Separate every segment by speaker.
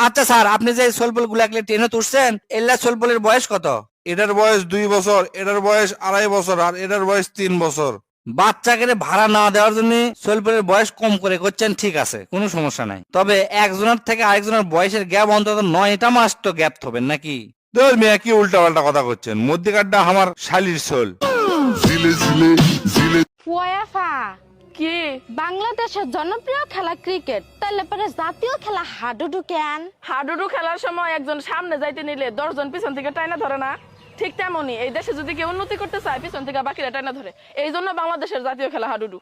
Speaker 1: আচ্ছা স্যার, আপনি যে সোলবল গুলাকে ট্রেনে তুলছেন, এল্লা সোলবলের বয়স কত?
Speaker 2: এটার বয়স 2 বছর, এটার বয়স 2.5 বছর, আর এটার বয়স 3 বছর।
Speaker 1: বাচ্চাকে ভাড়া না দেওয়ার জন্য সোলবলের বয়স কম করে করছেন, ঠিক আছে, কোনো সমস্যা নাই। তবে একজনের থেকে আরেকজনের বয়সের গ্যাপ অন্তত 9টা মাস তো গ্যাপ হবেন নাকি?
Speaker 2: তোর মেয়ে কি উল্টা পাল্টা কথা করছেন? মধ্যিকারটা আমার শালির সোল।
Speaker 3: ফুয়াফা কি বাংলাদেশের জনপ্রিয় খেলা ক্রিকেট, তাহলে পরে জাতীয় খেলা হাডুডু কেন?
Speaker 4: হাডুডু খেলার সময় একজন সামনে যাইতে নিলে 10 জন পিছন থেকে টাইনা ধরে না, ঠিক তেমনই এই দেশে যদি কেউ উন্নতি করতে চায় পিছন থেকে বাকিরা টাইনা ধরে। এই জন্য বাংলাদেশের জাতীয় খেলা হাডুডু।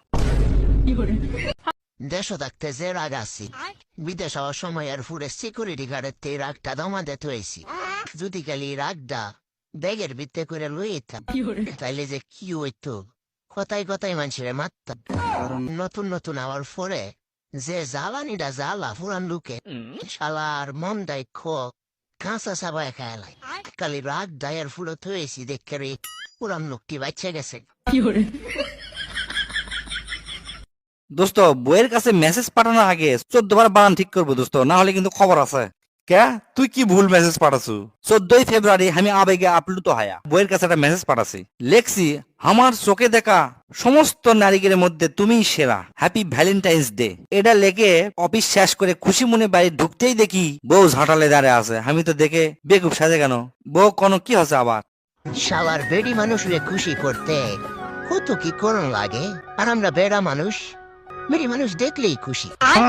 Speaker 5: দেশও থাকতে যে রাগ আছি, বিদেশ হওয়ার সময় আর ফুরে সিকিউরিটি গার্ডের তে রাগটা দমাতে থইছি। যদি খালি রাগটা ব্যাগের ভিত্তে করে লইতাম, তাইলে যে কি হইতো, কথায় কথায় মানুষের মারতাম। নতুন নতুন হওয়ার পরে যে জ্বালানিটা জ্বালা পুরান লোকে শালার মন দেয় কাঁচা সাবায় খায়ালাই। খালি রাগ দায়ের ফুলো থইছি দেখে রে পুরান লোকটি বাচ্চা গেছে।
Speaker 1: দোস্ত, বইয়ের কাছে মেসেজ পাঠানোর আগে 14 বার বানান ঠিক করবো দোস্ত, না হলে কিন্তু খবর আছে।
Speaker 2: কে তুই কি ভুল মেসেজ পাঠাছু?
Speaker 1: 14 ফেব্রুয়ারি আমি আবেগে আপ্লুত হয়া বইয়ের কাছে একটা মেসেজ পাঠাছি, লেখছি আমার চোখে দেখা সমস্ত নারীদের মধ্যে তুমিই সেরা, হ্যাপি ভ্যালেন্টাইন্স ডে। এটা লেগে অফিস শেষ করে খুশি মনে বাড়ি ঢুকতেই দেখি বউ ঝাঁটালে দাঁড়িয়ে আছে। আমি তো দেখে বেকুব সাজে কেন, বউ কোনো কি হচ্ছে আবার?
Speaker 5: শালার বেডি মানুষরে খুশি করতে কত কি করণ লাগে, আর আমরা বেড়া মানুষ, বেডি মানুষ দেখলেই খুশি।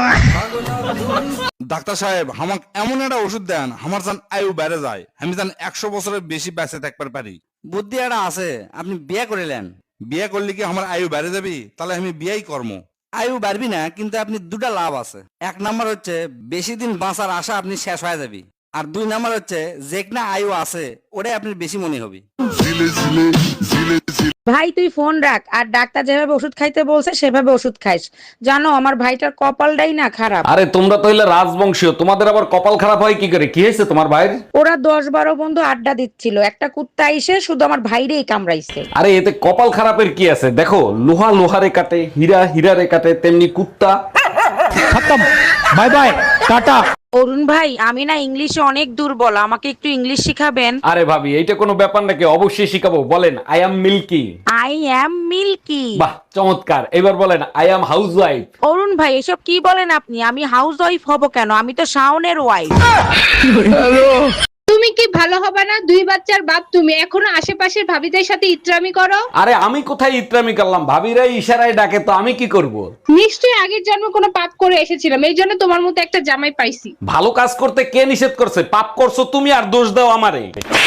Speaker 2: ডাক্তার সাহেব, আমাকে এমন একটা ওষুধ দেন আমার যেন আয়ু বেড়ে যায়, আমি যেন 100 বছরের বেশি বেঁচে থাকতে পারি।
Speaker 1: বুদ্ধি একটা আছে, আপনি বিয়ে করিলেন।
Speaker 2: বিয়ে করলে কি আমার আয়ু বেড়ে যাবি? তাহলে আমি বিয়েই কর্ম।
Speaker 1: আয়ু বাড়বি না, কিন্তু আপনি দুটা লাভ আছে। 1 নাম্বার হচ্ছে বেশি দিন বাঁচার আশা আপনি শেষ হয়ে যাবি, আর 2 নাম্বার হচ্ছে যে না আয়ু আছে ওটাই আপনি বেশি মনে হবে।
Speaker 6: ভাই তুই ফোন রাখ, আর ডাক্তার যেভাবে ওষুধ খাইতে বলছে সেভাবে ওষুধ খাইস। জানো আমার ভাইটার কপালটাই না খারাপ।
Speaker 7: আরে তোমরা তো হইলে রাজবংশীয়, তোমাদের আবার কপাল খারাপ হয় কি করে? কি হয়েছে তোমার ভাইয়ের?
Speaker 6: ওরা 10-12 বন্ধু আড্ডা দিচ্ছিল, একটা কুত্তা এসে শুধু আমার ভাইরেই কামড়াইছে।
Speaker 7: আরে এতে কপাল খারাপের কি আছে? দেখো, লোহা লোহারে কাটে, হীরা হীরারে কাটে, তেমনি কুত্তা। খতম, বাই বাই, টাটা।
Speaker 6: অরুণ ভাই, আমি না ইংলিশে অনেক দুর্বল, আমাকে একটু ইংলিশ শিখাবেন?
Speaker 7: আরে ভাবি, এইটা কোনো ব্যাপার নাকি? অবশ্যই শিখাবো। বলেন I am milky.
Speaker 6: I am milky.
Speaker 7: বাহ, চমৎকার। এবার বলেন I am housewife.
Speaker 6: Arun ভাই, এসব কি বলেন আপনি? আমি হাউস ওয়াইফ হব কেন? আমি তো শাওনের ওয়াইফ।
Speaker 8: তুমি কি ভালো হবে না? 2 বাচ্চার বাপ তুমি, এখনো আশেপাশের ভাবিদের সাথে ইত্রামি করো।
Speaker 7: আরে আমি কোথায় ইত্রামি করলাম? ভাবিরা ইশারায় ডাকে, তো আমি কি করব?
Speaker 8: নিশ্চয়ই আগের জন্মে কোনো পাপ করে এসেছিলাম, এই জন্য তোমার মতো একটা জামাই পাইছি।
Speaker 7: ভালো কাজ করতে কে নিষেধ করছে? পাপ করছো তুমি আর দোষ দাও আমারে।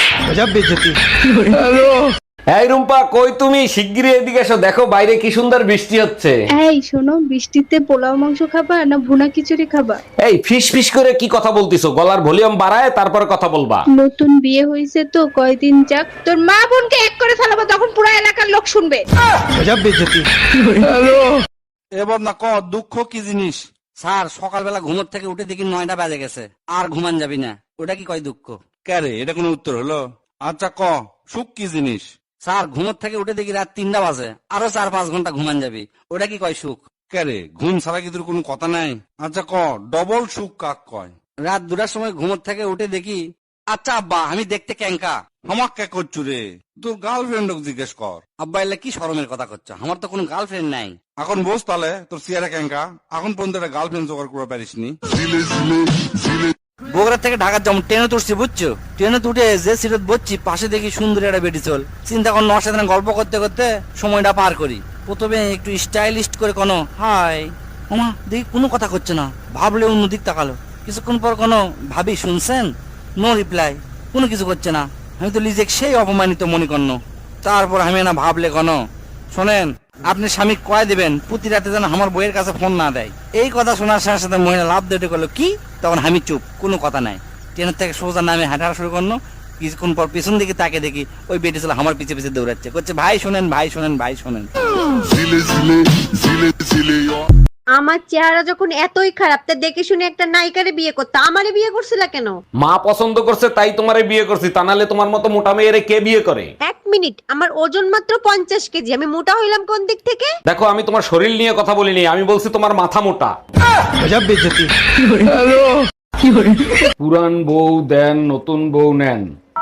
Speaker 7: এই রুম্পা, কই তুমি? শিগগিরই এদিকে এসো, দেখো বাইরে কি সুন্দর বৃষ্টি হচ্ছে।
Speaker 8: এই শোনো, বৃষ্টিতে পোলাও মাংস খাবা না ভুনা খিচুড়ি খাবা?
Speaker 7: এই ফিস ফিস করে কি কথা বলতিছো? গলার ভলিউম বাড়ায় তারপরে কথা বলবা।
Speaker 8: নতুন বিয়ে হয়েছে তো কয়দিন যাক, তোর মা বোনকে এক করে ফেলাবো, তখন পুরো এলাকার লোক শুনবে।
Speaker 2: এবার না ক, দুঃখ কি জিনিস?
Speaker 1: স্যার, সকালবেলা ঘুমোর থেকে উঠে দেখি 9টা বাজে গেছে, আর ঘুমান যাবি না, ওটা কি কয় দুঃখ?
Speaker 2: কে রে, এটা কোনো উত্তর হলো? আচ্ছা ক, সুখ কি জিনিস?
Speaker 1: স্যার, ঘুমোর থেকে উঠে দেখি রাত 3টা বাজে, আরো 4-5 ঘন্টা ঘুমান যাবি, ওটা কি কয় সুখ?
Speaker 2: কে রে, ঘুম ছাড়া কি তোর কোনো কথা নাই? আচ্ছা ক, ডবল সুখ কাক কয়?
Speaker 1: রাত 2টার সময় ঘুমোর থেকে উঠে দেখি, আচ্ছা আব্বা আমি দেখতে ক্যাঙ্কা।
Speaker 2: আমাক কে করছু রে? তোর গার্লফ্রেন্ড জিজ্ঞেস কর।
Speaker 1: আব্বা এলে কি শরমের কথা করছো? আমার তো কোনো গার্লফ্রেন্ড নাই।
Speaker 2: এখন বস তাহলে, তোর চেয়ারে ক্যাঙ্কা। এখন পর্যন্ত একটা গার্লফ্রেন্ড জোগাড় করে পারিসনি।
Speaker 1: বগুড়া থেকে ঢাকার যেমন ট্রেনে তুলছি বুঝছো, ট্রেনে উঠে যে সিটত বসছি পাশে দেখি সুন্দরী একটা বেটি চল। চিন্তা কর, ওর সাথে গল্প করতে করতে সময়টা পার করি। প্রথমে একটু স্টাইলিস্ট করে কোনো হাই ওমা দেখি, কোনো কথা করছে না, ভাবলে অন্যদিক তাকালো। কিছুক্ষণ পর কোনো ভাবি শুনছেন, নো রিপ্লাই, কোনো কিছু করছে না। আমি তো নিজেকে সেই অপমানিত মনে করল। তারপর আমি না ভাবলে কোনো, শোনেন আপনি স্বামী কয় দিবেন প্রতি রাতে যেন আমার বইয়ের কাছে ফোন না দেয়। এই কথা শোনার সাথে সাথে মহিলা লাভ দিয়ে করলো কি, তখন আমি চুপ, কোনো কথা নাই। ট্রেনের থেকে সোজা নামে হাঁটা শুরু করলো। কিছুক্ষণ পর পেছন দিকে তাকে দেখি ওই বেটি ছিল আমার পিছে পিছে দৌড়াচ্ছে, করছে ভাই শোনেন, ভাই শোনেন, ভাই শোনেন।
Speaker 9: আমার চেহারা যখন এতই খারাপ, তা দেখে শুনে একটা নায়িকারে বিয়ে করতে আমারে বিয়ে করছিলা কেন?
Speaker 7: মা পছন্দ করছে তাই তোমারে বিয়ে করছি, তা নাহলে তোমার মতো মোটা মেয়েরে কে বিয়ে করে?
Speaker 9: 1 মিনিট, আমার ওজন মাত্র 50 কেজি, আমি মোটা হইলাম কোন দিক থেকে?
Speaker 7: দেখো, আমি তোমার শরীর নিয়ে কথা বলিনি, আমি বলছি তোমার মাথা মোটা। পুরান বউ দেন, নতুন বউ নেন।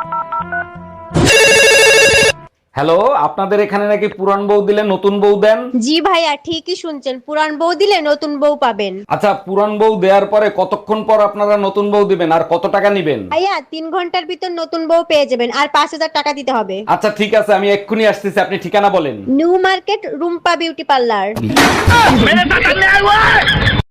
Speaker 7: হ্যালো, আপনাদের এখানে নাকি পুরান বউ দিলে নতুন বউ দেন?
Speaker 9: জি ভাইয়া ঠিকই শুনছেন, পুরান বউ দিলে নতুন বউ পাবেন।
Speaker 7: আচ্ছা, পুরান বউ দেওয়ার পরে কতক্ষণ পর আপনারা নতুন বউ দিবেন আর কত টাকা নিবেন?
Speaker 9: ভাইয়া 3 ঘন্টার ভিতর নতুন বউ পেয়ে যাবেন, আর 5000 টাকা দিতে হবে।
Speaker 7: আচ্ছা ঠিক আছে, আমি এক্ষুনি আসতেছি, আপনি ঠিকানা বলেন।
Speaker 9: New market Rumpa beauty parlour.